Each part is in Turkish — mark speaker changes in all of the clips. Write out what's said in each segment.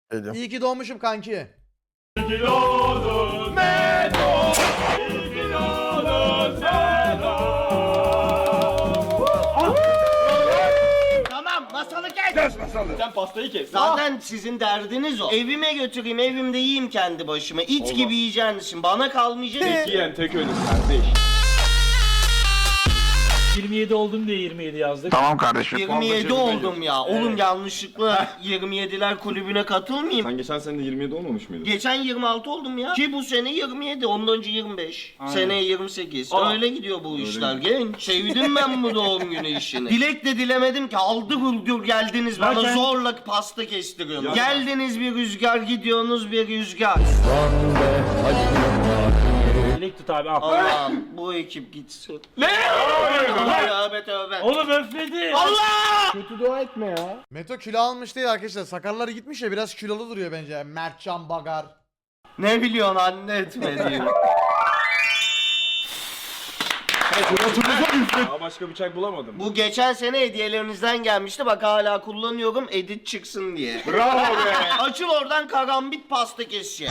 Speaker 1: Geliyorum.
Speaker 2: İyi ki doğmuşum kanki.
Speaker 3: Tamam masalı kes.
Speaker 4: Sen pastayı kes.
Speaker 3: Zaten sizin derdiniz o. Evime götüreyim, evimde yiyeyim kendi başıma. İt gibi yiyeceğiniz için bana kalmayacak.
Speaker 4: Tek yiyen tek ölür kardeş.
Speaker 5: 27 oldum diye 27 yazdık.
Speaker 1: Tamam kardeşim.
Speaker 3: 27 oldum ya. Oğlum yanlışlıkla 27'ler kulübüne katılmayayım.
Speaker 4: Sen geçen sene de 27 olmamış mıydın?
Speaker 3: Geçen 26 oldum ya. Ki bu sene 27, ondan önce 25. Seneye 28. Öyle gidiyor bu işler genç. Sevdim ben bu doğum günü işini. Dilek de dilemedim ki aldı hırgür geldiniz bana
Speaker 5: Zaten-
Speaker 3: zorla pasta kestiriyorsunuz. Geldiniz bir rüzgar gidiyorsunuz bir rüzgar.
Speaker 5: Dilek tut abi al.
Speaker 3: Allah'ım bu ekip gitsin.
Speaker 5: Ne?
Speaker 3: Tövbe tövbe.
Speaker 5: Oğlum öfledi.
Speaker 3: Allah!
Speaker 4: Kötü dua etme ya.
Speaker 2: Meto kilo almış değil arkadaşlar. Sakalları gitmiş ya, biraz kilolu duruyor bence. Mertcan Bagar.
Speaker 3: Ne biliyorsun anne etmediğimi.
Speaker 4: Daha başka bıçak bulamadım.
Speaker 3: Bu geçen sene hediyelerinizden gelmişti. Bak hala kullanıyorum edit çıksın diye.
Speaker 4: Bravo be.
Speaker 3: Açıl oradan karambit pasta keseceğim.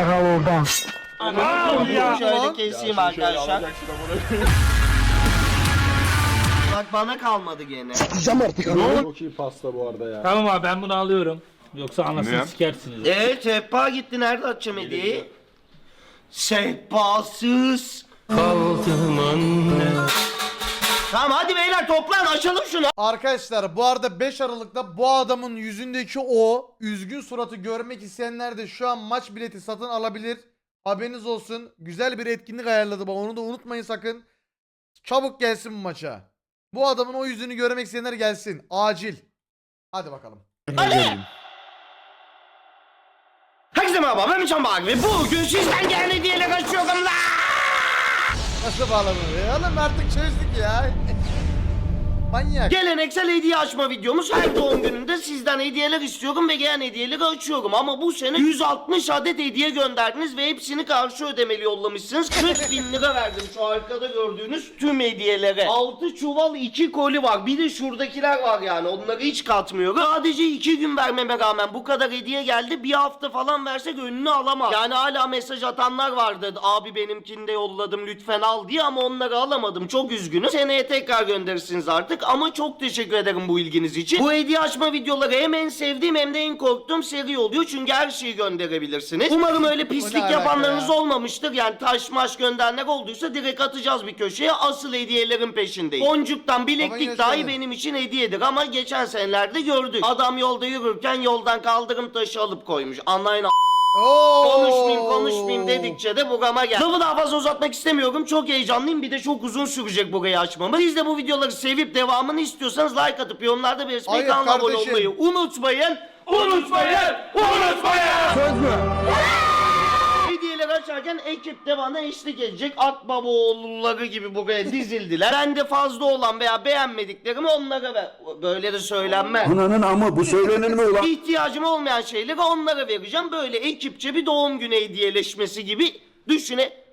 Speaker 5: Aman ya.
Speaker 3: Şöyle keseyim arkadaşlar.
Speaker 4: Alacaksın amına.
Speaker 3: Bak bana kalmadı gene.
Speaker 4: Çok iyi pasta bu arada ya.
Speaker 5: Tamam abi ben bunu alıyorum. Yoksa anasını
Speaker 4: Ne?
Speaker 5: sikersiniz.
Speaker 3: Sehpa gitti, nerede atacağım hediyeyi? Sehpasız. Tamam hadi beyler toplan açalım şunu.
Speaker 2: Arkadaşlar bu arada 5 Aralık'ta bu adamın yüzündeki o üzgün suratı görmek isteyenler de şu an maç bileti satın alabilir. Haberiniz olsun. Güzel bir etkinlik ayarladı bak, onu da unutmayın sakın. Çabuk gelsin bu maça. Bu adamın o yüzünü görmek isteyenler gelsin. Acil. Hadi bakalım.
Speaker 3: Herkese merhaba ben Miçan Bağ ve bugün sizden gelen hediyeyle kaçıyorum la.
Speaker 2: Nasıl bağlanır ya? Oğlum artık çözdük ya. Manyak.
Speaker 3: Geleneksel hediye açma videomuz. Her doğum gününde sizden hediyeler istiyorum ve gelen hediyeleri açıyorum. Ama bu sene 160 adet hediye gönderdiniz ve hepsini karşı ödemeli yollamışsınız. 40 bin lira verdim şu arkada gördüğünüz tüm hediyelere. 6 çuval 2 koli var. Bir de şuradakiler var yani. Onları hiç katmıyorum. Sadece 2 gün vermeme rağmen bu kadar hediye geldi. Bir hafta falan versek önünü alamam. Yani hala mesaj atanlar vardı. Abi benimkini de yolladım lütfen al diye ama onları alamadım. Çok üzgünüm. Seneye tekrar gönderirsiniz artık. Ama çok teşekkür ederim bu ilginiz için. Bu hediye açma videoları hem en sevdiğim hem de en korktuğum seri oluyor. Çünkü her şeyi gönderebilirsiniz. Umarım öyle pislik
Speaker 2: alaka
Speaker 3: yapanlarınız
Speaker 2: ya?
Speaker 3: olmamıştır. Yani taş maş gönderenler olduysa direkt atacağız bir köşeye. Asıl hediyelerin peşindeyiz. Boncuktan
Speaker 2: Baban
Speaker 3: bileklik dahi
Speaker 2: yaşadı.
Speaker 3: benim için hediyedir. Ama geçen senelerde gördük. Adam yolda yürürken yoldan kaldırım taşı alıp koymuş. Anlayın
Speaker 2: Oo.
Speaker 3: konuşmayayım dedikçe de burama geldi. Lafı daha fazla uzatmak istemiyorum. Çok heyecanlıyım. Bir de çok uzun sürecek burayı açmamız. Siz de bu videoları sevip devamını istiyorsanız like atıp yorumlarda belirtmeyi,
Speaker 2: Hayır
Speaker 3: kanala abone
Speaker 2: kardeşim.
Speaker 3: olmayı unutmayın. Unutmayın. Söz mü? Hediyeleri açarken ekip de bana eşlik edecek. Akbabaoğulları gibi buraya dizildiler. Ben de fazla olan veya beğenmediklerimi onlara ver. Böyle de söylenmez.
Speaker 1: Ananın ama bu söylenir mi ulan?
Speaker 3: İhtiyacım olmayan şeyleri onlara vereceğim. Böyle ekipçe bir doğum günü hediyeleşmesi gibi düşüne.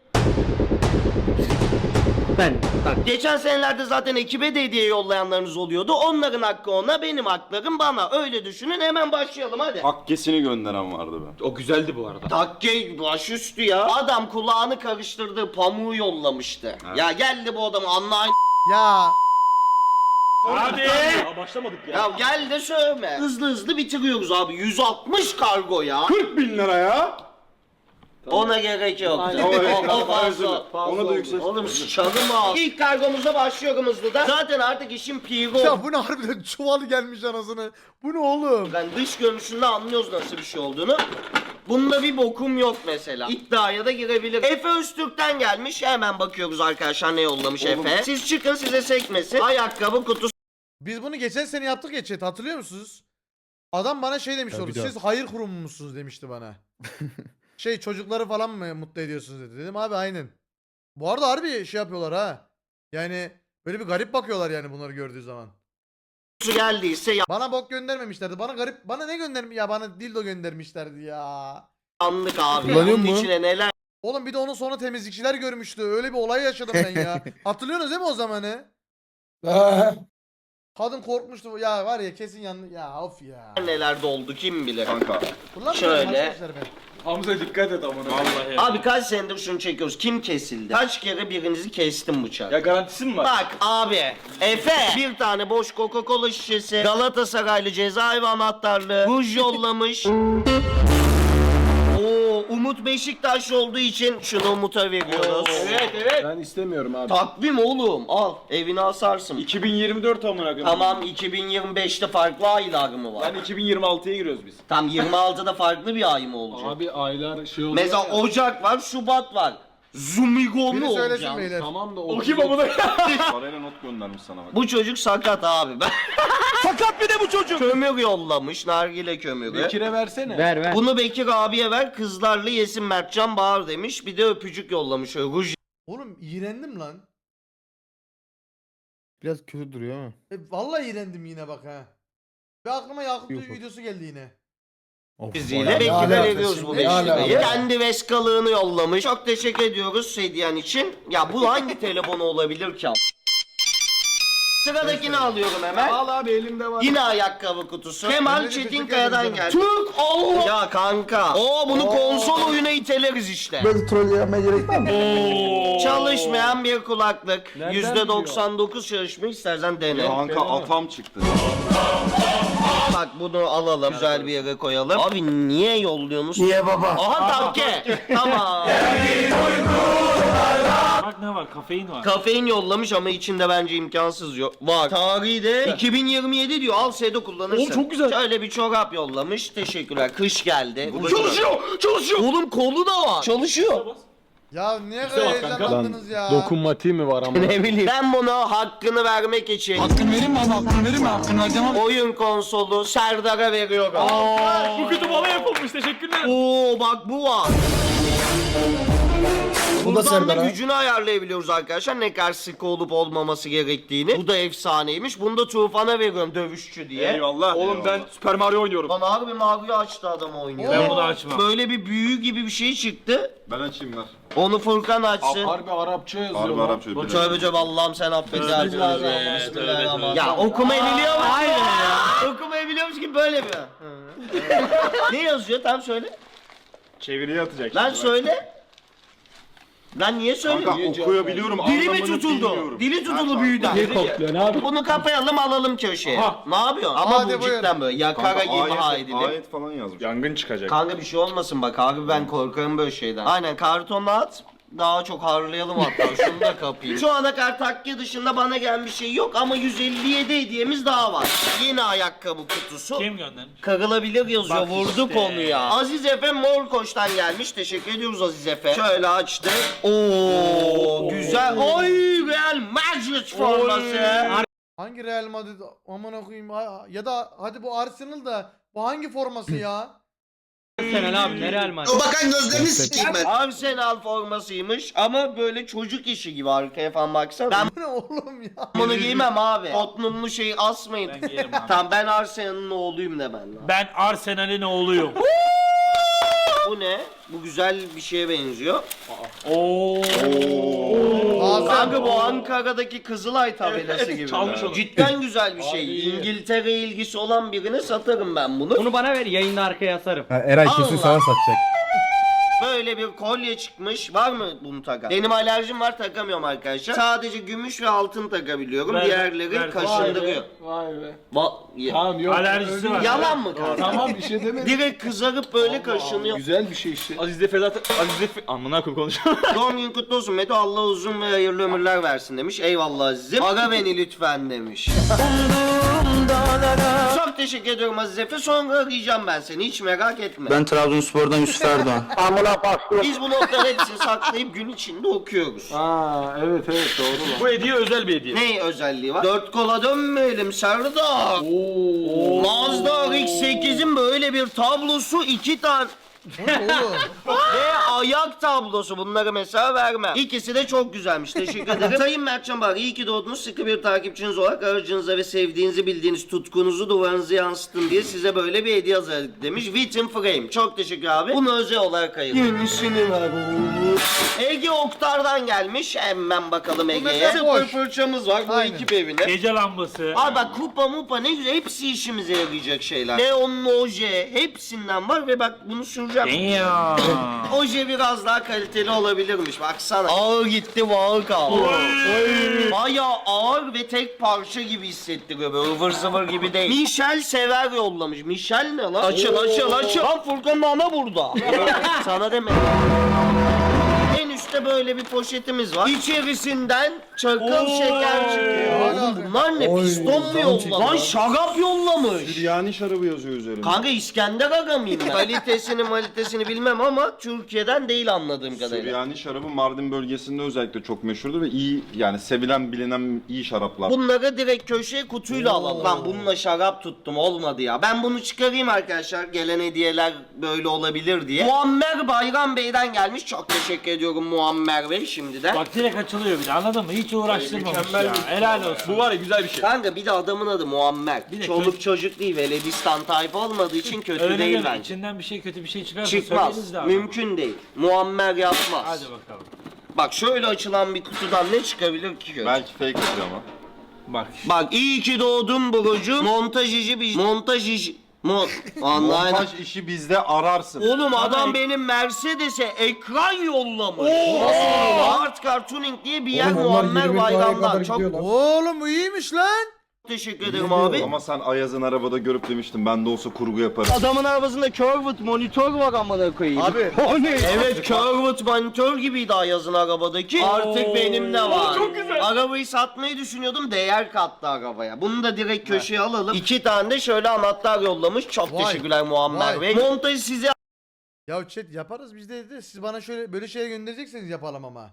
Speaker 3: Geçen senelerde zaten ekibe de hediye yollayanlarınız oluyordu. Onların hakkı ona, benim haklarım bana. Öyle düşünün, hemen başlayalım hadi.
Speaker 4: Hakkesini gönderen vardı be. O güzeldi bu arada.
Speaker 3: Takke başüstü ya. Adam kulağını karıştırdığı pamuğu yollamıştı. Ya geldi bu adam anlayın.
Speaker 2: Ya.
Speaker 5: Abi.
Speaker 4: Daha başlamadık ya.
Speaker 3: Ya gel de sövme. Hızlı hızlı bitiriyoruz abi. 160 kargo ya.
Speaker 4: 40 bin lira ya.
Speaker 3: Ona gerek yok. O fazla.
Speaker 4: Ona da yüksek.
Speaker 3: Oğlum çalım al. İlk kargomuza başlıyorum hızlıdan. Zaten artık işin piri
Speaker 2: Ya
Speaker 3: oldu.
Speaker 2: bu ne harbiden çuvalı gelmiş anasını. Bu ne oğlum?
Speaker 3: Ben dış görünüşünde anlıyoruz nasıl bir şey olduğunu. Bunda bir bokum yok mesela. İddiaya da girebilir. Efe Öztürk'ten gelmiş. Hemen bakıyoruz arkadaşlar ne yollamış Efe. Siz çıkın size sekmesin. Ayakkabı kutusu
Speaker 2: Biz bunu geçen sene yaptık ya chat, hatırlıyor musunuz? Adam bana şey demiş oldu. Siz hayır kurumu musunuz demişti bana. Şey çocukları falan mı mutlu ediyorsunuz dedi. Dedim abi aynen. Bu arada harbi şey yapıyorlar ha. Yani böyle bir garip bakıyorlar yani bunları gördüğü zaman.
Speaker 3: geldiyse
Speaker 2: Bana bok göndermemişlerdi. Bana garip, bana ne göndermiş ya, bana dildo göndermişlerdi ya.
Speaker 3: yanlık abi.
Speaker 2: Kullanıyor
Speaker 3: Bunun
Speaker 2: mu?
Speaker 3: içine neler
Speaker 2: Oğlum bir de onun sonra temizlikçiler görmüştü. Öyle bir olay yaşadım ben ya. Hatırlıyorsunuz değil mi o zamanı? Kadın korkmuştu. Ya var ya kesin yandı. Ya of ya.
Speaker 3: Neler doldu kim bilir.
Speaker 4: Kanka.
Speaker 2: Kullanmıyorum
Speaker 3: Şöyle.
Speaker 2: arkadaşlar ben.
Speaker 4: Hamza dikkat et amına.
Speaker 5: Vallahi.
Speaker 3: Abi kaç senedir şunu çekiyoruz. Kim kesildi? Kaç kere birinizi kestim bıçak?
Speaker 4: Ya garantisi mi var?
Speaker 3: Bak abi. Efe. Bir tane boş Coca-Cola şişesi. Galatasaraylı cezaevi anahtarlığı. Ruj yollamış. Oo, Umut Beşiktaş olduğu için şunu Umut'a veriyoruz.
Speaker 4: Evet.
Speaker 6: Ben istemiyorum abi.
Speaker 3: Takvim oğlum. Al. Evini asarsın.
Speaker 4: 2024 amına koyayım.
Speaker 3: Tamam 2025'te farklı aylar mı var?
Speaker 4: Yani 2026'ya giriyoruz biz.
Speaker 3: Tam 26'da farklı bir ay mı olacak?
Speaker 6: Abi aylar şey oluyor
Speaker 3: Mesela
Speaker 6: ya.
Speaker 3: Ocak var, Şubat var. Zumigo
Speaker 2: Biri
Speaker 3: mu
Speaker 2: söylesin
Speaker 3: olacağım?
Speaker 2: beyler.
Speaker 6: Tamam da
Speaker 4: O kim amına? Parayla not göndermiş sana bak.
Speaker 3: Bu çocuk sakat abi. Sakat bir de bu çocuk. Kömür yollamış, nargile kömürü.
Speaker 6: Bekir'e versene.
Speaker 3: Bunu Bekir abiye ver, kızlarla yesin Mertcan Bağır demiş. Bir de öpücük yollamış. Öyle ruj
Speaker 2: Oğlum iğrendim lan.
Speaker 7: Biraz kötü duruyor ama.
Speaker 2: Vallahi iğrendim yine bak ha. Ve aklıma Yakup
Speaker 7: Yok.
Speaker 2: videosu geldi yine.
Speaker 7: Of,
Speaker 3: iziyle
Speaker 7: bayağı-
Speaker 3: Bekir'e
Speaker 2: alakası
Speaker 3: veriyoruz bu
Speaker 2: şimdi?
Speaker 3: 5
Speaker 2: Ne
Speaker 3: lirayı.
Speaker 2: alakası?
Speaker 3: Kendi veskalığını yollamış. Çok teşekkür ediyoruz hediyen için. Ya bu hangi telefonu olabilir ki? Sıradakini alıyorum hemen.
Speaker 6: Al abi elimde var.
Speaker 3: Yine ayakkabı kutusu. Kemal
Speaker 2: Emre'nin
Speaker 3: Çetinkaya'dan
Speaker 2: teşekkür
Speaker 3: geldi. Türk Allah. Ya kanka. Bunu konsol oyuna iteleriz işte.
Speaker 1: Böyle troll yapmaya gerek var mı?
Speaker 3: Çalışmayan bir kulaklık.
Speaker 6: Nereden
Speaker 3: %99 çalışmıyor. İstersen dene.
Speaker 4: Kanka atam çıktı.
Speaker 3: Bak bunu alalım. Güzel bir yere koyalım. Abi niye yolluyorsunuz? Niye baba? Aha tanke. Tamam.
Speaker 5: Bak ne var? Kafein var.
Speaker 3: Kafein yollamış ama içinde bence imkansız yok. Var. Tarihi de 2027 diyor. Al Sedo kullanırsın.
Speaker 4: Oğlum çok güzel.
Speaker 3: Şöyle bir çorap yollamış. Teşekkürler. Kış geldi. Bu da
Speaker 4: Çalışıyor! Çalışıyor!
Speaker 3: Oğlum kolu da var. Çalışıyor.
Speaker 2: Ya niye böyle
Speaker 4: bak kanka.
Speaker 2: heyecanlandınız ya?
Speaker 6: Dokunmatiği mi var ama?
Speaker 3: Ne bileyim. Ben bunu hakkını vermek için
Speaker 6: Hakkını vereyim mi abi? Hakkını vereyim mi? Hakkını vereceğim abi.
Speaker 3: oyun konsolu Serdar'a veriyorum.
Speaker 5: Bu kutu bana yapılmış. Teşekkürler.
Speaker 3: Oo bak bu var.
Speaker 7: Bu da
Speaker 3: Buradan da
Speaker 7: Serdar'a.
Speaker 3: gücünü ayarlayabiliyoruz arkadaşlar. Ne kadar sıkı olup olmaması gerektiğini. Bu da efsaneymiş. Bunu da Tufan'a veriyorum dövüşçü diye.
Speaker 4: Eyvallah. Oğlum ben Super Mario oynuyorum.
Speaker 3: Lan harbi Mario açtı adam oynuyor.
Speaker 5: Ben bunu açmam.
Speaker 3: Böyle bir büyü gibi bir şey çıktı.
Speaker 4: Ben açayım ver.
Speaker 3: Onu Furkan açsın.
Speaker 6: Harbi Arapça yazıyor.
Speaker 4: Harbi
Speaker 6: lan.
Speaker 4: Arapça
Speaker 3: Bu
Speaker 4: bir
Speaker 3: tövbe tövbe Allah'ım sen affet.
Speaker 5: Bismillahirrahmanirrahim.
Speaker 3: Bismillahirrahmanirrahim. Ya okumayı biliyormuş. Aynen ya. Okumayı biliyormuş gibi böyle mi? Ne yazıyor? Tam söyle.
Speaker 4: Çeviriye atacak.
Speaker 3: Lan
Speaker 4: şimdi bak.
Speaker 3: söyle. Lan niye
Speaker 4: Kanka
Speaker 3: söylüyorsun?
Speaker 4: okuyabiliyorum.
Speaker 3: Dili mi
Speaker 4: anlamını
Speaker 3: tutuldu?
Speaker 4: bilmiyorum.
Speaker 3: Dili tutuldu
Speaker 4: Ha,
Speaker 3: büyüden.
Speaker 6: Ne kokluyorsun abi?
Speaker 3: Bunu kapayalım alalım köşeye.
Speaker 5: Aha.
Speaker 3: Ne yapıyorsun? Ama
Speaker 2: Hadi
Speaker 3: bu
Speaker 2: buyur.
Speaker 3: cidden böyle yakara
Speaker 4: Kanka
Speaker 3: imha
Speaker 4: ayet,
Speaker 3: edilir.
Speaker 4: ayet falan yazmış. Yangın çıkacak.
Speaker 3: Kanka bir şey olmasın bak abi ben korkarım böyle şeyden. Aynen kartonla at. Daha çok harlayalım hatta şunu da kapayım. Şu ana kadar takke dışında bana gelen bir şey yok ama 157 hediyemiz daha var. Yeni ayakkabı kutusu.
Speaker 5: Kim göndermiş?
Speaker 3: Kırılabilir yazıyor.
Speaker 5: Bak
Speaker 3: Vurdu
Speaker 5: işte.
Speaker 3: konuya. Aziz Efe Morkoç'tan gelmiş. Teşekkür ediyoruz Aziz Efe. Şöyle açtı. Oo güzel. Oy Real Madrid forması.
Speaker 2: Hangi Real Madrid aman koyayım ya da hadi bu Arsenal da bu hangi forması ya?
Speaker 3: O bakan gözlerini sikeyim ben. Arsenal formasıymış ama böyle çocuk işi gibi arkaya falan baksana. Ben
Speaker 2: Bu ne oğlum ya?
Speaker 3: bunu giymem abi. Tottenham'lı şeyi asmayın.
Speaker 5: Ben giyerim abi.
Speaker 3: Tamam ben Arsenal'ın oğluyum de ben.
Speaker 5: Ben Arsenal'in oğluyum.
Speaker 3: Bu ne? Bu güzel bir şeye benziyor.
Speaker 5: Oo.
Speaker 3: Kanka bu Ankara'daki Kızılay tabelası gibi.
Speaker 5: çalmış onu.
Speaker 3: Cidden güzel bir şey. İngiltere ilgisi olan birine satarım ben bunu.
Speaker 8: Bunu bana ver yayında arkaya asarım.
Speaker 7: Eray kesin
Speaker 3: Allah.
Speaker 7: sana satacak.
Speaker 3: Böyle bir kolye çıkmış. Var mı bunu takan? Benim alerjim var takamıyorum arkadaşlar. Sadece gümüş ve altın takabiliyorum.
Speaker 5: Ver,
Speaker 3: Diğerleri
Speaker 5: ver.
Speaker 6: Vay
Speaker 3: kaşındırıyor.
Speaker 6: be. Vay be.
Speaker 3: Ya-
Speaker 6: Tamam yok.
Speaker 5: Alerjisi var.
Speaker 3: Yalan mı kanka?
Speaker 6: Tamam bir şey demedim.
Speaker 3: Direkt kızarıp böyle kaşınıyor.
Speaker 6: Güzel bir şey işte.
Speaker 4: Aziz Efe zaten Aziz Efe amına koyayım konuşuyor.
Speaker 3: Doğum gün kutlu olsun Meto. Allah uzun ve hayırlı ömürler versin demiş. Eyvallah Aziz'im. Ara beni lütfen demiş. Çok teşekkür ediyorum Aziz Efe. Sonra arayacağım ben seni. Hiç merak etme.
Speaker 1: Ben Trabzonspor'dan Yusuf Erdoğan.
Speaker 3: Biz bu notları hepsini saklayıp gün içinde okuyoruz.
Speaker 6: Aa evet doğru lan.
Speaker 4: Bu hediye özel bir hediye.
Speaker 3: Ne özelliği var? Dört kola dönmeyelim Serdar. Mazda RX-8'in böyle bir tablosu 2 tane.
Speaker 2: Bu ne oğlum?
Speaker 3: Ve ayak tablosu, bunları mesela vermem. İkisi de çok güzelmiş. Teşekkür ederim. Sayın Mertcan Bahar, iyi ki doğdunuz. Sıkı bir takipçiniz olarak aracınıza ve sevdiğinizi bildiğiniz tutkunuzu duvarınıza yansıttın diye size böyle bir hediye hazırladık demiş. Witten Frame. Çok teşekkür abi. Bunu özel olarak ayırdım. Yenisini ver oğlum. Ege Oktar'dan gelmiş. Hemen bakalım Ege'ye.
Speaker 2: mesela
Speaker 3: Sıfır
Speaker 2: boş.
Speaker 3: fırçamız var. Bu
Speaker 2: Aynen.
Speaker 3: ekip evine.
Speaker 5: Gece lambası.
Speaker 3: Abi bak kupa mupa ne güzel, hepsi işimize yarayacak şeyler. Neon oje hepsinden var ve bak bunu süreceğim.
Speaker 5: Damn.
Speaker 3: Oje biraz daha kaliteli olabilirmiş baksana. Ağır gitti ağır kaldı. Bayağı ağır ve tek parça gibi hissettiriyor, böyle ıvır zıvır gibi değil. Michel Sever yollamış. Michel ne lan? Açıl. Lan Furkan'ın ana burada. Sana demedim. En üstte böyle bir poşetimiz var. İçerisinden çakıl şeker çıkıyor. Oğlum bunlar ne? Piston mu yollamış? Lan şarap yollamış.
Speaker 6: Yani şarabı yazıyor üzerinde.
Speaker 3: Kanka İskender Aga mıyım ben? Kalitesini bilmem ama Türkiye'den değil anladığım kadarıyla.
Speaker 6: Süryani şarabı Mardin bölgesinde özellikle çok meşhurdur ve iyi, yani sevilen bilinen iyi şaraplar.
Speaker 3: Bunları direkt köşeye kutuyla alalım. Lan bununla şarap tuttum, olmadı ya. Ben bunu çıkarayım arkadaşlar. Gelen hediyeler böyle olabilir diye. Muammer Bayram Bey'den gelmiş. Çok teşekkür ediyorum Muammer Bey şimdiden.
Speaker 5: Bak direkt açılıyor bir de, anladın mı? Hiç uğraştırmamış ya. Helal olsun.
Speaker 4: Bu var ya güzel bir şey.
Speaker 3: Kanka bir de adamın adı Muammer.
Speaker 5: Bir de
Speaker 3: Çoluk çocuk değil, Veledistan tayfa olmadığı için kötü
Speaker 5: Öyle
Speaker 3: değil
Speaker 5: deme.
Speaker 3: bence.
Speaker 5: İçinden bir şey, kötü bir şey çıkarsa
Speaker 3: Çıkmaz.
Speaker 5: söyleriz de abi.
Speaker 3: Mümkün değil. Muammer yapmaz.
Speaker 5: Hadi bakalım.
Speaker 3: Bak şöyle açılan bir kutudan ne çıkabilir ki?
Speaker 6: Belki fake atıyor ama.
Speaker 5: Bak.
Speaker 3: Bak iyi ki doğdun Burucu. Montajcı bir... Online.
Speaker 6: Montaj işi bizde ararsın.
Speaker 3: Oğlum adam benim Mercedes'e ekran yollamış. Art Car Tuning diye bir yer Muammer Bayram'dan. Çok
Speaker 2: Oğlum bu iyiymiş lan.
Speaker 3: teşekkür ederim abi.
Speaker 6: Ama sen Ayaz'ın arabada görüp demiştin ben de olsa kurgu yaparım.
Speaker 3: Adamın arabasında curved monitör var amına koyayım.
Speaker 2: Abi.
Speaker 3: O ne? Evet curved monitör gibiydi Ayaz'ın arabadaki. Artık benim de var. Çok güzel. Arabayı satmayı düşünüyordum, değer kattı arabaya. Bunu da direkt köşeye alalım. 2 tane de şöyle anahtar yollamış. Çok
Speaker 2: Vay.
Speaker 3: teşekkürler Muammer
Speaker 2: Vay.
Speaker 3: Bey. Montajı size
Speaker 2: Ya chat yaparız biz de. Siz bana şöyle böyle şeyler gönderecekseniz yapalım ama.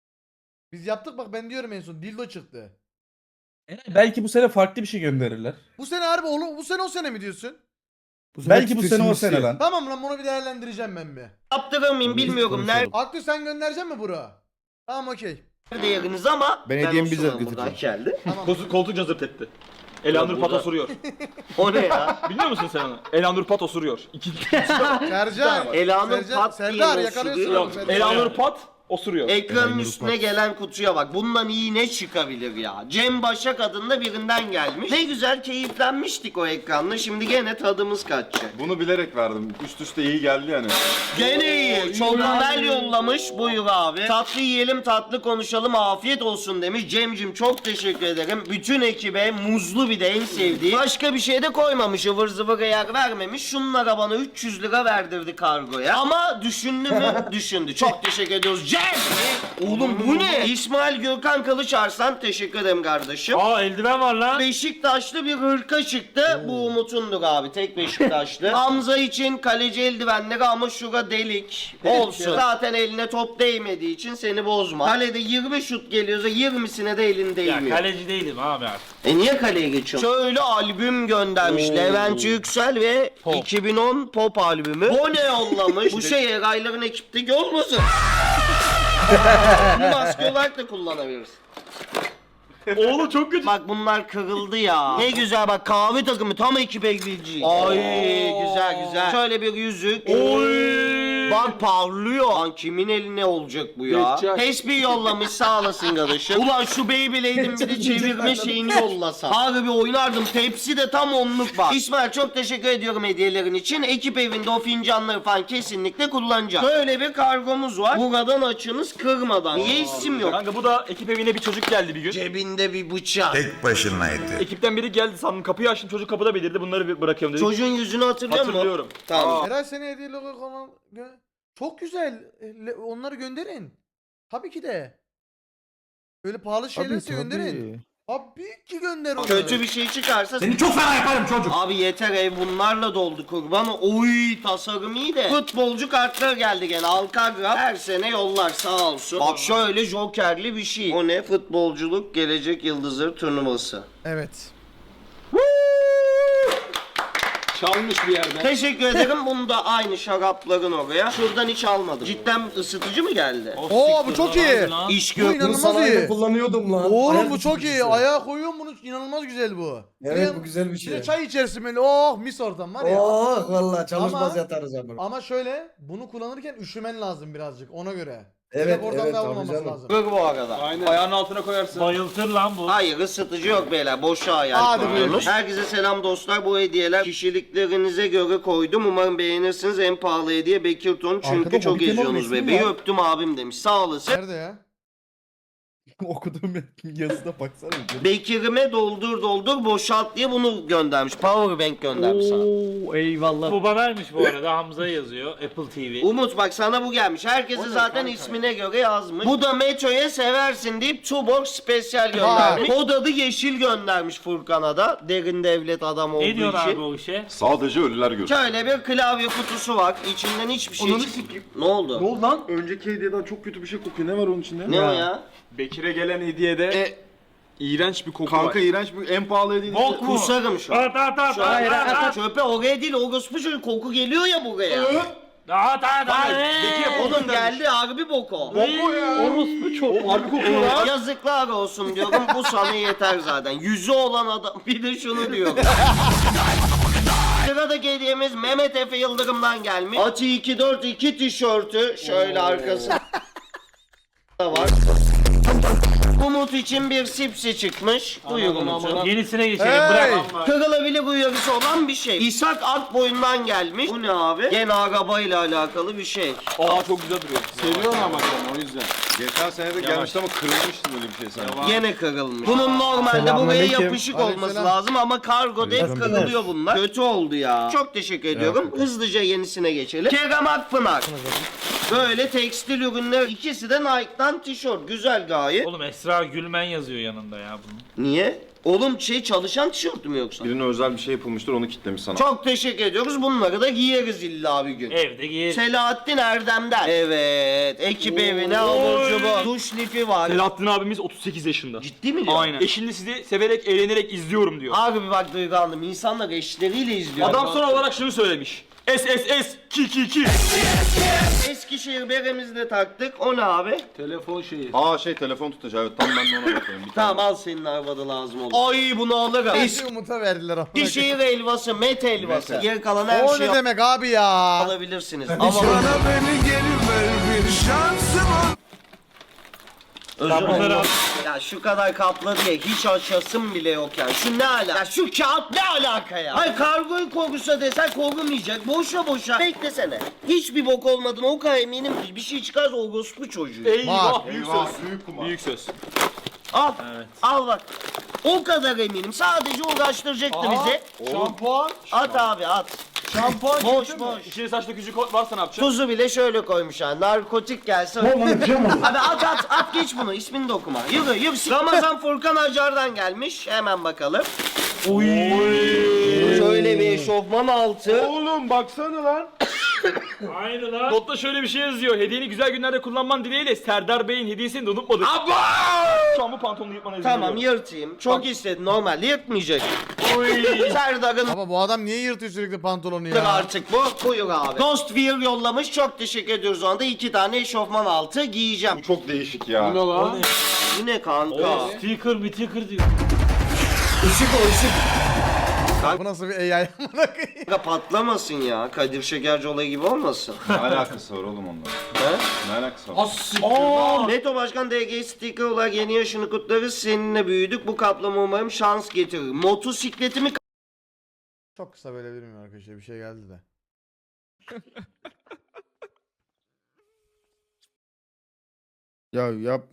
Speaker 2: Biz yaptık bak, ben diyorum en son dildo çıktı.
Speaker 9: Belki bu sene farklı bir şey gönderirler.
Speaker 2: Bu sene harbi oğlum, bu sene o sene mi diyorsun?
Speaker 9: Belki bu sene o sene lan.
Speaker 2: Tamam lan, bunu bir değerlendireceğim ben bir.
Speaker 3: yaptırır mıyım bilmiyorum.
Speaker 2: Aklı sen gönderecek mi bro? Tamam okey.
Speaker 3: Nerede yeriniz ama
Speaker 7: Ben hediyemi
Speaker 3: o
Speaker 7: bizzat
Speaker 3: sırada
Speaker 7: götüreceğim.
Speaker 3: buradan geldi.
Speaker 2: Tamam.
Speaker 4: Koltuk cazırt etti. Elanur Pat
Speaker 3: burada-
Speaker 4: osuruyor.
Speaker 3: O ne ya?
Speaker 4: Biliyor musun sen onu? Elanur Pat osuruyor.
Speaker 2: Sercan.
Speaker 3: Elanur
Speaker 2: Sercan-
Speaker 3: Pat
Speaker 2: Serdar
Speaker 3: diye
Speaker 2: yakalıyorsun
Speaker 3: osuruyor.
Speaker 2: oğlum, Serdar.
Speaker 4: Elanur Pat osuruyor.
Speaker 3: Ekranın üstüne gelen kutuya bak. Bundan iyi ne çıkabilir ya? Cem Başak adında birinden gelmiş. Ne güzel keyiflenmiştik o ekranla. Şimdi gene tadımız kaçacak.
Speaker 6: Bunu bilerek verdim. Üst üste iyi geldi yani.
Speaker 3: Gene iyi. Çok güzel yollamış. Buyur abi. Tatlı yiyelim, tatlı konuşalım. Afiyet olsun demiş. Cemcim çok teşekkür ederim. Bütün ekibe muzlu bir de en sevdiği. Başka bir şey de koymamış. Ivır zıvır yer vermemiş. Şunlara bana 300 lira verdirdi kargoya. Ama düşündü mü? Düşündü. Çok teşekkür ediyoruz. Cem! Oğlum bu ne? İsmail Gürkan Kılıç Arslan, teşekkür ederim kardeşim.
Speaker 5: Aa eldiven var lan.
Speaker 3: Beşiktaşlı bir hırka çıktı. Bu Umut'undur abi. Tek Beşiktaşlı. Hamza için kaleci eldivenleri ama şura delik. Olsun. Zaten eline top değmediği için seni bozma. Kalede 20 şut geliyorsa 20'sine de elin
Speaker 5: Ya
Speaker 3: değmiyor.
Speaker 5: kaleci değilim abi artık.
Speaker 3: Niye kaleye geçiyorsun? Şöyle albüm göndermiş. Levent Yüksel ve 2010 pop albümü. O ne yollamış? Bu şey Erayların ekipteki olmasın? Bunu maske olarak da kullanabiliriz.
Speaker 4: Oğlum çok kötü.
Speaker 3: Bak bunlar kırıldı ya. Ne güzel bak, kahve takımı tam ekip evliliği. Ay güzel güzel. Şöyle bir yüzük. Bak parlıyor. Lan kimin eline olacak bu ya?
Speaker 6: Geçecek.
Speaker 3: Tesbih yollamış, sağ olasın kardeşim. Ulan şu Beyblade'in bir de çevirme şeyini yollasa. Abi bir oynardım. Tepsi de tam onluk var. İsmail çok teşekkür ediyorum hediyelerin için. Ekip evinde o fincanları falan kesinlikle kullanacağım. Böyle bir kargomuz var. Buradan açınız kırmadan. Niye isim yok?
Speaker 4: Kanka bu da ekip evine bir çocuk geldi bir gün.
Speaker 3: Cebinde bir bıçak.
Speaker 10: Tek başınaydı.
Speaker 4: Ekipten biri geldi sandım, kapıyı açtım, çocuk kapıda belirdi, bunları bir bırakıyorum dedi.
Speaker 3: Çocuğun yüzünü hatırlıyor musun?
Speaker 4: Hatırlıyorum.
Speaker 3: Tamam.
Speaker 2: Eray seni hediye logo falan çok güzel. Onları gönderin. Tabii ki de. Böyle pahalı şeylerse gönderin. Tabii ki gönder onları.
Speaker 3: Kötü bir şey çıkarsa seni çok fena yaparım çocuk. Abi yeter, ev bunlarla doldu kurban. Oy tasarım iyi de. Futbolcu kartlar geldi gene. Alkagraf her sene yollar sağ olsun. Bak şöyle jokerli bir şey. O ne? Futbolculuk gelecek yıldızları turnuvası.
Speaker 2: Evet.
Speaker 4: Çalmış bir yerden.
Speaker 3: Teşekkür ederim. Bunu da aynı şarapların oraya. Şuradan hiç almadım. Cidden ısıtıcı mı geldi?
Speaker 2: Oo bu çok iyi.
Speaker 3: İş
Speaker 2: Bu
Speaker 3: gör.
Speaker 2: inanılmaz iyi.
Speaker 10: kullanıyordum lan.
Speaker 2: Oğlum
Speaker 10: Ayak
Speaker 2: bu çok iyi.
Speaker 10: ısıtıcısı.
Speaker 2: Ayağa koyuyorum bunu, inanılmaz güzel bu.
Speaker 10: Evet bu güzel bir
Speaker 2: Bir
Speaker 10: şey.
Speaker 2: de çay içersin böyle. Oh mis ortam var ya.
Speaker 10: Oh valla çalışmaz
Speaker 2: Ama-
Speaker 10: yatarız ama.
Speaker 2: Ama şöyle bunu kullanırken üşümen lazım birazcık ona göre.
Speaker 10: Evet
Speaker 2: Oradan
Speaker 10: evet
Speaker 2: da
Speaker 10: tabii
Speaker 2: almaması
Speaker 10: canım.
Speaker 2: lazım.
Speaker 3: Dur bu arada.
Speaker 4: Aynen. Ayağının altına koyarsın.
Speaker 5: Bayıltır lan bu.
Speaker 3: Hayır ısıtıcı yok beyler. Boşa hayal
Speaker 2: Hadi
Speaker 3: kuruyorsunuz.
Speaker 2: buyurun.
Speaker 3: Herkese selam dostlar. Bu hediyeler kişiliklerinize göre koydum. Umarım beğenirsiniz. En pahalı hediye Bekir Ton. Çünkü
Speaker 9: Arkada
Speaker 3: çok
Speaker 9: Hobbit'in
Speaker 3: eziyorsunuz
Speaker 9: resmi
Speaker 3: bebeği.
Speaker 9: var.
Speaker 3: Öptüm abim demiş. Sağ olasın.
Speaker 2: Nerede ya?
Speaker 9: Okuduğum yazısına baksana.
Speaker 3: Bekir'ime doldur boşalt diye bunu göndermiş. Powerbank göndermiş sana.
Speaker 8: Oo eyvallah.
Speaker 5: Bu banaymış bu arada. Hamza yazıyor. Apple TV.
Speaker 3: Umut bak sana bu gelmiş. Herkesi zaten ismine göre yazmış. Bu da Metro'ya seversin deyip Tuborg spesyal göndermiş. Kod adı yeşil göndermiş Furkan'a da. Derin devlet adam olduğu
Speaker 5: Ne diyor
Speaker 3: için.
Speaker 5: abi o işe?
Speaker 6: Sadece ölüler görür.
Speaker 3: Şöyle bir klavye kutusu var. İçinden hiçbir şey çıkmıyor. Ne oldu?
Speaker 6: oldu lan? Önceki hediyeden çok kötü bir şey kokuyor. Ne var onun içinde?
Speaker 3: Ne o ya?
Speaker 4: Bekir'e gelen hediyede iğrenç bir koku
Speaker 6: Kanka
Speaker 4: var.
Speaker 6: iğrenç bir en pahalı hediye.
Speaker 5: Bok mu?
Speaker 3: Kusarım şu an.
Speaker 5: At.
Speaker 3: Hayır çöpe oraya değil orospu çocuğu koku geliyor ya buraya.
Speaker 5: At.
Speaker 3: Oğlum geldi harbi boko.
Speaker 8: Orospu çok.
Speaker 6: Harbi kokuyor lan.
Speaker 3: Yazıklar olsun diyorum bu sana yeter zaten. Yüzü olan adam bir de şunu diyor. Sıradaki hediyemiz Mehmet Efe Yıldırım'dan gelmiş. Ati 242 tişörtü şöyle arkasında var. Umut için bir sipsi çıkmış. Buyur Umut'um.
Speaker 5: Yenisine geçelim.
Speaker 2: Hey!
Speaker 5: Bırak.
Speaker 3: Kırılabilir uyarısı olan bir şey. İshak Akboyun'dan gelmiş. Bu ne abi? Gene arabayla alakalı bir şey.
Speaker 4: Aa çok güzel duruyor.
Speaker 6: Seviyorum ama sen o yüzden. Geçen sene de gelmişti ama kırılmıştı böyle bir şey sanki.
Speaker 3: Gene kırılmış. Bunun normalde buraya
Speaker 9: Selamünaleyküm.
Speaker 3: yapışık olması
Speaker 2: Aleykümselam.
Speaker 3: lazım ama kargoda hep kırılıyor bunlar. Kötü oldu ya. Çok teşekkür ediyorum. Hızlıca yenisine geçelim. Kerem Akpınar. Böyle tekstil ürünler ikisi de Nike'dan tişört. Güzel gayet.
Speaker 5: Oğlum Esra Gülmen yazıyor yanında ya bunun.
Speaker 3: Niye? Oğlum çalışan tişört mü yoksa?
Speaker 6: Birine özel bir şey yapılmıştır onu kitlemiş sana.
Speaker 3: Çok teşekkür ediyoruz. Bunları da giyeriz illa bir gün.
Speaker 5: Evde giyer.
Speaker 3: Selahattin Erdem'den. Evet. Ekip evine alıcı bu. Duş lifi var.
Speaker 4: Selahattin abimiz 38 yaşında.
Speaker 3: Ciddi mi diyor?
Speaker 4: Aynen. Eşini sizi severek, eğlenerek izliyorum diyor.
Speaker 3: Abi bak duygulandım. İnsanlar eşleriyle izliyor.
Speaker 4: Adam son olarak şunu söylemiş. SSS ki.
Speaker 3: Eskişehir beremizi de taktık. O ne abi?
Speaker 4: Telefon şeyi.
Speaker 6: Aa telefon tutacağı evet tam ben de ona bakıyorum. Bir
Speaker 3: Tamam al senin arabada lazım olur. Ay bunu alırım.
Speaker 2: Eski Umut'a verdiler ama.
Speaker 3: Eskişehir helvası, met helvası.
Speaker 6: Met.
Speaker 3: Geri kalan her
Speaker 2: O
Speaker 3: şeyi
Speaker 2: ne demek abi ya?
Speaker 3: alabilirsiniz. Ama özür dilerim. Ya şu kadar kapladı ya hiç açasım bile yok yani. Şu ne alaka? Ya şu kağıt ne alaka ya? Ay kargoyu korusa desen korumayacak. Boşa. Beklesene. Hiçbir bok olmadığına o kadar eminim ki bir şey çıkarsa o gospu çocuğu.
Speaker 4: Eyvah. Büyük
Speaker 6: Eyvah,
Speaker 4: söz.
Speaker 6: büyük kumar.
Speaker 4: Büyük söz.
Speaker 3: Al.
Speaker 5: Evet.
Speaker 3: Al bak. O kadar eminim. Sadece uğraştıracaktı bizi.
Speaker 4: Şampuan.
Speaker 3: At abi at.
Speaker 4: Şampuan.
Speaker 3: Boş.
Speaker 4: İçine saçlı küçük varsa ne yapacaksın?
Speaker 3: Tuzu bile şöyle koymuş ha. Narkotik gelse. Abi at geç bunu. İsmini de okuma. Yürü. Ramazan Furkan Acar'dan gelmiş. Hemen bakalım. Şöyle bir eşofman altı.
Speaker 4: Oğlum baksana lan.
Speaker 5: Aynı lan.
Speaker 4: Notta şöyle bir şey yazıyor. Hediyeni güzel günlerde kullanman dileğiyle Serdar Bey'in hediyesini de unutmadık. Şu an bu pantolonu yırtmana izin
Speaker 3: Tamam
Speaker 4: veriyorum.
Speaker 3: yırtayım. Çok istedin normalde yırtmayacak. Serdar'ın
Speaker 2: Baba bu adam niye yırtıyor sürekli pantolonu ya?
Speaker 3: artık bu. Buyur abi. Ghost Wear yollamış. Çok teşekkür ediyoruz ona da. 2 tane eşofman altı giyeceğim.
Speaker 6: Bu çok değişik ya.
Speaker 3: Bu ne kanka?
Speaker 5: Sticker diyor.
Speaker 2: Bu nasıl bir AI amına koyayım?
Speaker 3: Kanka patlamasın ya. Kadir Şekerci olayı gibi olmasın.
Speaker 6: Ne alakası var oğlum onunla?
Speaker 3: He?
Speaker 6: Ne alakası var?
Speaker 3: Neto Başkan DG sticker olarak yeni yaşını kutlarız. Seninle büyüdük. Bu kaplama umarım şans getirir. Motosikletimi
Speaker 2: Çok kısa böyle bilmiyorum arkadaşlar bir şey geldi de.
Speaker 7: Ya yap.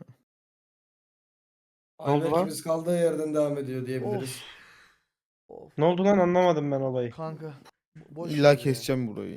Speaker 10: Ayberk'imiz kaldığı yerden devam ediyor diyebiliriz.
Speaker 2: Of
Speaker 9: Ne oldu lan anlamadım ben olayı.
Speaker 2: kanka. Boş ver
Speaker 7: İlla
Speaker 2: ya.
Speaker 7: keseceğim burayı ya.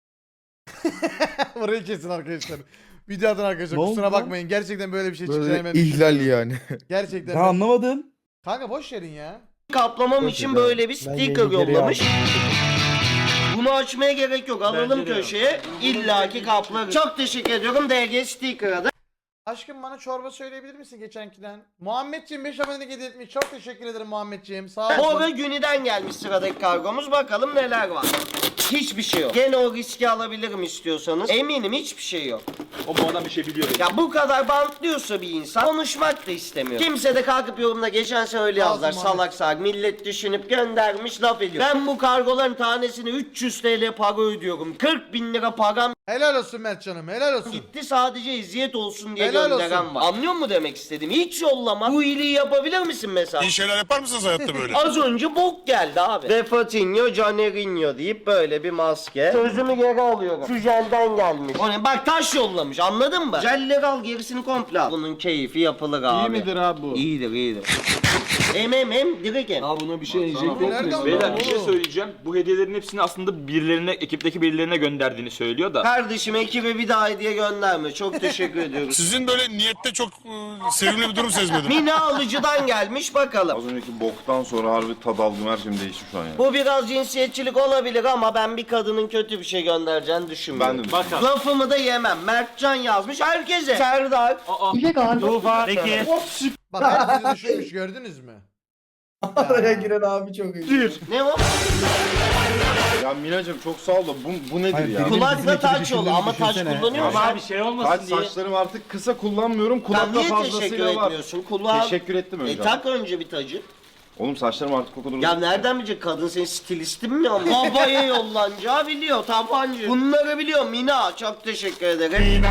Speaker 2: Burayı kesin arkadaşlar. Videodan arkadaşlar
Speaker 9: Ne oldu
Speaker 2: kusura
Speaker 9: lan?
Speaker 2: bakmayın. Gerçekten böyle bir şey çıkacağını
Speaker 7: Böyle
Speaker 2: ben
Speaker 7: ihlal
Speaker 2: düşünmüyorum.
Speaker 7: yani.
Speaker 2: Gerçekten.
Speaker 9: Ya anlamadım.
Speaker 2: Kanka boş verin ya.
Speaker 3: kaplamam
Speaker 7: Çok
Speaker 3: için
Speaker 7: güzel.
Speaker 3: böyle bir
Speaker 9: Ben
Speaker 3: sticker
Speaker 9: yeni geri
Speaker 3: yollamış. Bunu açmaya gerek yok. Alalım
Speaker 5: Bence de yok.
Speaker 3: köşeye. İlla ki kaplarız. Çok teşekkür ediyorum DG sticker'a da.
Speaker 2: Aşkım bana çorba söyleyebilir misin geçenkiden? Muhammedciğim 5 abone hediye etmiş. Çok teşekkür ederim Muhammedciğim. Sağ ol.
Speaker 3: Bora Günü'den gelmiş sıradaki kargomuz. Bakalım neler var. Hiçbir şey yok. Gene o riski alabilirim istiyorsanız. Eminim hiçbir şey yok.
Speaker 4: O bu adam bir şey biliyor.
Speaker 3: Ya bu kadar bantlıyorsa bir insan konuşmak da istemiyor. Kimse de kalkıp yorumda geçen sene öyle yazdılar.
Speaker 2: Lazım abi.
Speaker 3: Salak salak millet düşünüp göndermiş laf ediyor. Ben bu kargoların tanesini 300 TL para ödüyorum. 40.000 lira param
Speaker 2: Helal olsun Mertcan'ım helal olsun.
Speaker 3: gitti sadece eziyet olsun diye
Speaker 2: Helal
Speaker 3: gönderen
Speaker 2: olsun.
Speaker 3: var. Anlıyor musun demek istediğimi? Hiç yollama. Bu iyiliği yapabilir misin mesela?
Speaker 11: İyi şeyler yapar mısınız hayatta böyle?
Speaker 3: Az önce bok geldi abi. Refatinho, Canerinho deyip böyle bir maske. Sözümü geri alıyorum. Şu jelden gelmiş. O ne? Bak taş yollamış anladın mı? Jelleri al gerisini komple al. Bunun keyfi yapılır abi.
Speaker 9: İyi midir abi bu?
Speaker 3: İyidir iyidir. Direkt em.
Speaker 9: Buna bir şey
Speaker 2: Bu nereden
Speaker 4: Beyler bir
Speaker 2: buldun
Speaker 4: şey
Speaker 2: oğlum?
Speaker 4: söyleyeceğim. Bu hediyelerin hepsini aslında birilerine, ekipteki birilerine gönderdiğini söylüyor da.
Speaker 3: Kardeşim ekibe bir daha hediye gönderme. Çok teşekkür ediyoruz.
Speaker 11: Sizin böyle niyette çok sevimli bir durum sezmedim.
Speaker 3: Mine Alıcı'dan gelmiş bakalım.
Speaker 6: Az önceki boktan sonra harbi tad aldım, her şeyim değişti şu an ya.
Speaker 3: Bu biraz cinsiyetçilik olabilir ama ben bir kadının kötü bir şey göndereceğini düşünmüyorum.
Speaker 6: Ben de
Speaker 4: Bakalım.
Speaker 3: Lafımı da yemem. Mertcan yazmış herkese. Serdar.
Speaker 5: Tufan. Peki.
Speaker 2: Bak herkesi düşünmüş gördünüz mü?
Speaker 10: Araya giren abi çok iyi.
Speaker 3: Ne o?
Speaker 6: Ya Minacığım çok sağ ol da bu nedir ya?
Speaker 3: Kulakla taç yolu ama taç kullanıyor musun?
Speaker 5: Ama bir şey olmasın
Speaker 6: Saç
Speaker 5: diye.
Speaker 6: saçlarım artık kısa kullanmıyorum.
Speaker 3: Sen
Speaker 6: Kulakta
Speaker 3: niye teşekkür
Speaker 6: fazlasıyla var.
Speaker 3: etmiyorsun? Kulağa...
Speaker 6: Teşekkür ettim önce.
Speaker 3: Tak önce bir tacı.
Speaker 6: Oğlum saçlarım artık o kadar
Speaker 3: Ya
Speaker 6: uzun.
Speaker 3: nereden bilecek kadın senin stilistin mi ya? Babaya yollanacağı biliyor tabancı. Bunları biliyor Mina. Çok teşekkür ederim.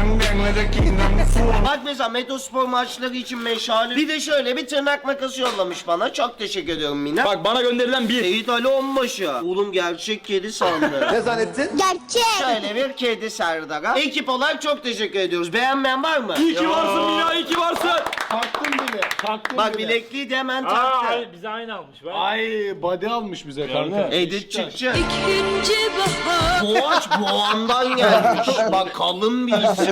Speaker 3: Bak mesela Metospor maçları için meşale. Bir de şöyle bir tırnak makası yollamış bana. Çok teşekkür ediyorum Mina.
Speaker 4: Bak bana gönderilen bir.
Speaker 3: Seyit Ali Onbaşı. Oğlum gerçek kedi sandı.
Speaker 1: Ne zannettin?
Speaker 3: Şöyle bir kedi Serdar'a. Ekip olarak çok teşekkür ediyoruz. Beğenmeyen var mı?
Speaker 4: İyi ki varsın Mina, iyi ki varsın.
Speaker 10: Taktım bile.
Speaker 5: Taktım
Speaker 3: Bak
Speaker 5: bile.
Speaker 3: bilekliği de hemen
Speaker 5: Aa,
Speaker 3: taktı.
Speaker 5: ay, bize aynı almış. Bak.
Speaker 9: Ay body almış bize kanka.
Speaker 3: Edit çıkacak. Boğaç boğandan gelmiş. Bak kalın bir isim.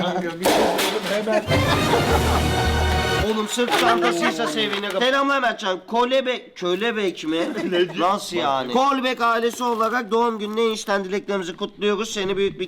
Speaker 3: Oğlum sırt çantasıysa sevinirim. Selamlar Mertcan. Kölebek mi? Nasıl yani? Kolbek ailesi olarak doğum gününe enişten dileklerimizi kutluyoruz. Seni büyük bir